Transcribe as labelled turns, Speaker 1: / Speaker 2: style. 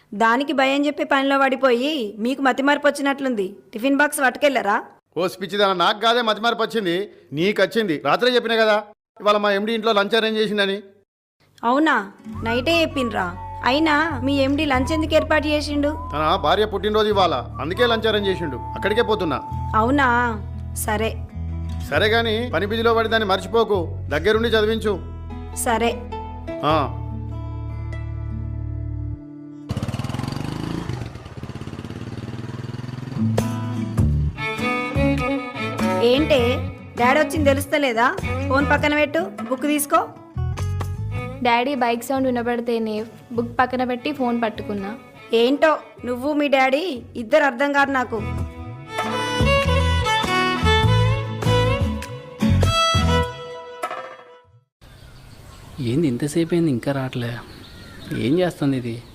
Speaker 1: దానికి భయం చెప్పి పనిలో పడిపోయి మీకు మతిమార్పు వచ్చినట్లుంది. Tiffin box పట్టుకెళ్ళరా?
Speaker 2: ఓ స్పిచ్చిదాన, నాకు కాదే మతిమార్పు వచ్చింది, నీకు వచ్చింది. రాత్రే చెప్పినా కదా ఇవాళ మా ఎండి ఇంట్లో లంచ్ అరేంజ్ చేసిందని.
Speaker 1: అవునా? నైటే చెప్పిండ్రా. అయినా మీ ఎండి లంచ్ ఎందుకు ఏర్పాటు చేసిండు?
Speaker 2: తన భార్య పుట్టినరోజు ఇవాళ, అందుకే లంచ్ అరేంజ్ చేసిండు. అక్కడికే పోతున్నా.
Speaker 1: అవునా? సరే
Speaker 2: సరే గాని పని బిజిలో పడి దాన్ని మర్చిపోకు, దగ్గరుండి చదివించు.
Speaker 1: సరే.
Speaker 2: ఆ.
Speaker 1: ఏంటే డాడీ వచ్చింది తెలుస్తలేదా? ఫోన్ పక్కన పెట్టు, బుక్ తీసుకో.
Speaker 3: డాడీ బైక్ సౌండ్ వినపడితేనే బుక్ పక్కన పెట్టి ఫోన్ పట్టుకున్నా.
Speaker 1: ఏంటో నువ్వు మీ డాడీ ఇద్దరు అర్థం కాదు నాకు.
Speaker 4: ఏంది ఇంతసేపు అయింది ఇంకా రావట్లే? ఏం చేస్తుంది ఇది?